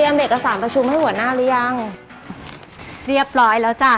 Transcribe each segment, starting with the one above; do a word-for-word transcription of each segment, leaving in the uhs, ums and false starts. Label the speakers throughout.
Speaker 1: ยมเอกสารประชุมให้หัวหน้าหรือยัง
Speaker 2: เรียบร้อยแล้วจ้ะ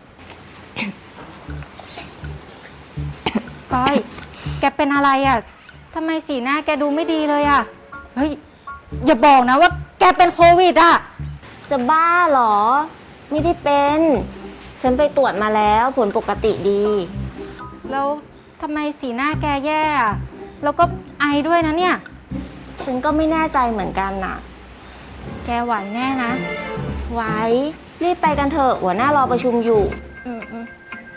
Speaker 2: ก้อย แกเป็นอะไรอ่ะทำไมสีหน้าแกดูไม่ดีเลยอ่ะเฮ้ยอย่าบอกนะว่าแกเป็นโควิดอ่ะ
Speaker 1: จะบ้าเหรอไม่ได้เป็นฉันไปตรวจมาแล้วผลปกติดี
Speaker 2: แล้วทำไมสีหน้าแกแย่อ่ะแล้วก็ไอด้วยนะเนี่ย
Speaker 1: ฉันก็ไม่แน่ใจเหมือนกันน่ะ
Speaker 2: แกไหวแน่นะ
Speaker 1: ไหวรีบไปกันเถอะหัวหน้ารอประชุมอยู่
Speaker 2: อืมอืม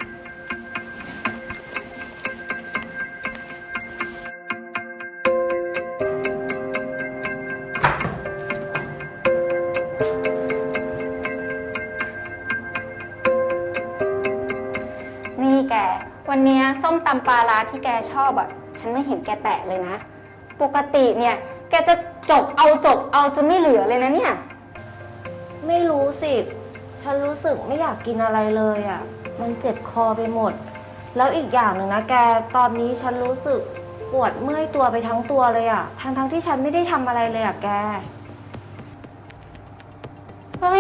Speaker 2: นี่แกวันนี้ส้มตำปลาร้าที่แกชอบอ่ะฉันไม่เห็นแกแตะเลยนะปกติเนี่ยแกจะจกเอาจกเอาจนไม่เหลือเลยนะเนี่ย
Speaker 1: ไม่รู้สิฉันรู้สึกไม่อยากกินอะไรเลยอ่ะมันเจ็บคอไปหมดแล้วอีกอย่างหนึ่งนะแกตอนนี้ฉันรู้สึกปวดเมื่อยตัวไปทั้งตัวเลยอ่ะทั้งทั้งที่ฉันไม่ได้ทำอะไรเลยอ่ะแก
Speaker 2: เฮ้ย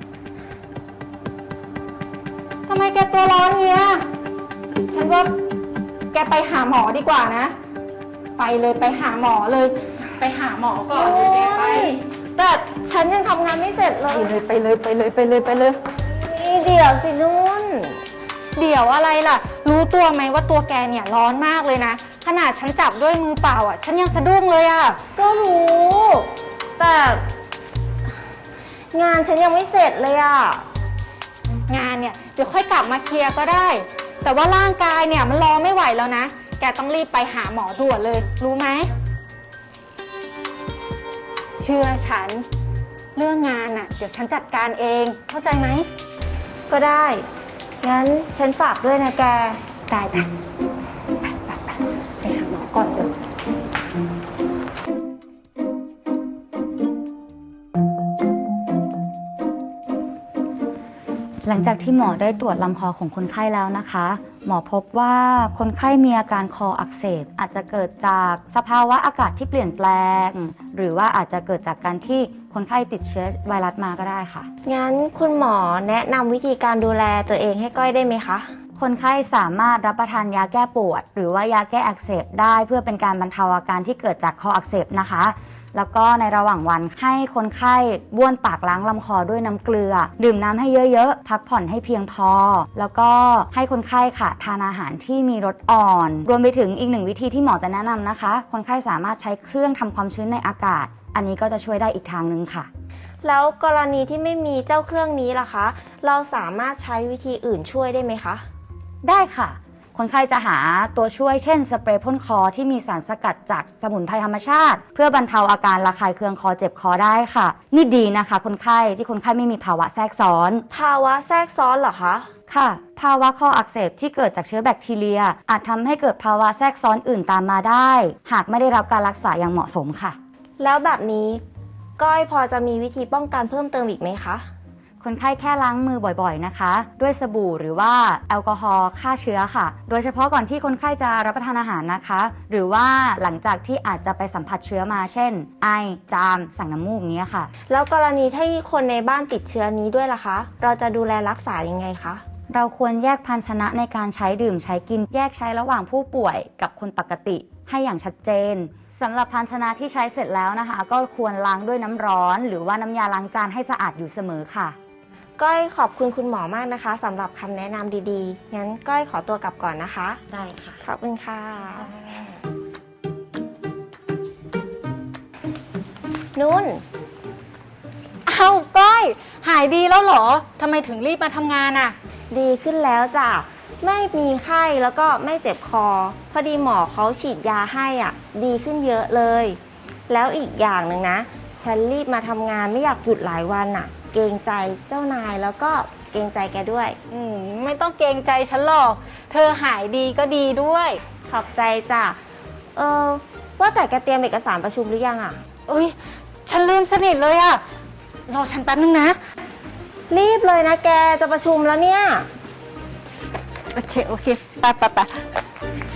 Speaker 2: ทำไมแกตัวร้อนเงี้ยฉันว่าแกไปหาหมอดีกว่านะไปเลยไปหาหมอเลยไปหาหมอก่อนเลยแกไป
Speaker 1: แต่ฉันยังทำงานไม่เสร็จเลย
Speaker 2: ไปเลยไปเลยไปเลยไปเลย
Speaker 1: นี่เดี๋ยวสินุ่น
Speaker 2: เดี๋ยวอะไรล่ะรู้ตัวไหมว่าตัวแกเนี่ยร้อนมากเลยนะขนาดฉันจับด้วยมือเปล่าอ่ะฉันยังสะดุ้งเลยอ่ะ
Speaker 1: ก็รู้แต่งานฉันยังไม่เสร็จเลยอ่ะ
Speaker 2: งานเนี่ยเดี๋ยวค่อยกลับมาเคลียร์ก็ได้แต่ว่าร่างกายเนี่ยมันรอไม่ไหวแล้วนะแกต้องรีบไปหาหมอด่วนเลยรู้ไหมเชื่อฉันเรื่องงานน่ะเดี๋ยวฉันจัดการเองเข้าใจไหม
Speaker 1: ก็ได้งั้นฉันฝากด้วยนะแก
Speaker 2: ได้จ้ะไปไปไปไปหาหมอก่อนเลย
Speaker 3: หลังจากที่หมอได้ตรวจลำคอของคนไข้แล้วนะคะหมอพบว่าคนไข้มีอาการคออักเสบอาจจะเกิดจากสภาวะอากาศที่เปลี่ยนแปลงหรือว่าอาจจะเกิดจากการที่คนไข้ติดเชื้อไวรัสมาก็ได้ค่ะ
Speaker 1: งั้นคุณหมอแนะนำวิธีการดูแลตัวเองให้ก้อยได้ไหมคะ
Speaker 3: คนไข้สามารถรับประทานยาแก้ปวดหรือว่ายาแก้อักเสบได้เพื่อเป็นการบรรเทาอาการที่เกิดจากคออักเสบนะคะแล้วก็ในระหว่างวันให้คนไข้บ้วนปากล้างลำคอด้วยน้ำเกลือดื่มน้ำให้เยอะๆพักผ่อนให้เพียงพอแล้วก็ให้คนไข้ค่ะทานอาหารที่มีรสอ่อนรวมไปถึงอีกหนึ่งวิธีที่หมอจะแนะนำนะคะคนไข้สามารถใช้เครื่องทำความชื้นในอากาศอันนี้ก็จะช่วยได้อีกทางนึงค่ะ
Speaker 1: แล้วกรณีที่ไม่มีเจ้าเครื่องนี้ล่ะคะเราสามารถใช้วิธีอื่นช่วยได้ไหมคะ
Speaker 3: ได้ค่ะคนไข้จะหาตัวช่วยเช่นสเปรย์พ่นคอที่มีสารสกัดจากสมุนไพรธรรมชาติเพื่อบรรเทาอาการระคายเคืองคอเจ็บคอได้ค่ะนี่ดีนะคะคนไข้ที่คนไข้ไม่มีภาวะแทรกซ้อน
Speaker 1: ภาวะแทรกซ้อนเหรอคะ
Speaker 3: ค่ะภาวะคออักเสบที่เกิดจากเชื้อแบคทีเรียอาจทำให้เกิดภาวะแทรกซ้อนอื่นตามมาได้หากไม่ได้รับการรักษาอย่างเหมาะสมค่ะ
Speaker 1: แล้วแบบนี้ก้อยพอจะมีวิธีป้องกันเพิ่มเติมอีกไหมคะ
Speaker 3: คนไข้แค่ล้างมือบ่อยๆนะคะด้วยสบู่หรือว่าแอลกอฮอล์ฆ่าเชื้อค่ะโดยเฉพาะก่อนที่คนไข้จะรับประทานอาหารนะคะหรือว่าหลังจากที่อาจจะไปสัมผัสเชื้อมาเช่นไอจามสั่งน้ำมูกนี้ค่ะ
Speaker 1: แล้วกรณีที่คนในบ้านติดเชื้อนี้ด้วยล่ะคะเราจะดูแลรักษายังไงคะ
Speaker 3: เราควรแยกภาชนะในการใช้ดื่มใช้กินแยกใช้ระหว่างผู้ป่วยกับคนปกติให้อย่างชัดเจนสำหรับภาชนะที่ใช้เสร็จแล้วนะคะก็ควรล้างด้วยน้ำร้อนหรือว่าน้ำยาล้างจานให้สะอาดอยู่เสมอค่ะ
Speaker 1: ก้อยขอบคุณคุณหมอมากนะคะสำหรับคำแนะนำดีๆงั้นก้อยขอตัวกลับก่อนนะคะ
Speaker 3: ได้ค่ะ
Speaker 1: ขอบคุณค่ะนุ่น
Speaker 2: อ้าวก้อยหายดีแล้วเหรอทำไมถึงรีบมาทำงานอ่ะ
Speaker 1: ดีขึ้นแล้วจ้ะไม่มีไข้แล้วก็ไม่เจ็บคอพอดีหมอเขาฉีดยาให้อ่ะดีขึ้นเยอะเลยแล้วอีกอย่างหนึ่งนะฉันรีบมาทำงานไม่อยากหยุดหลายวันอ่ะเกรงใจเจ้านายแล้วก็เกรงใจแกด้วย
Speaker 2: อืมไม่ต้องเกรงใจฉันหรอกเธอหายดีก็ดีด้วย
Speaker 1: ขอบใจจ้ะเออว่าแต่แกเตรียมเอกสารประชุมหรือยังอ่ะ
Speaker 2: เอ้ยฉันลืมสนิทเลยอ่ะรอฉันแป๊บนึงนะ
Speaker 1: รีบเลยนะแกจะประชุมแล้วเนี่ย
Speaker 2: โอเคโอเคไปไปไป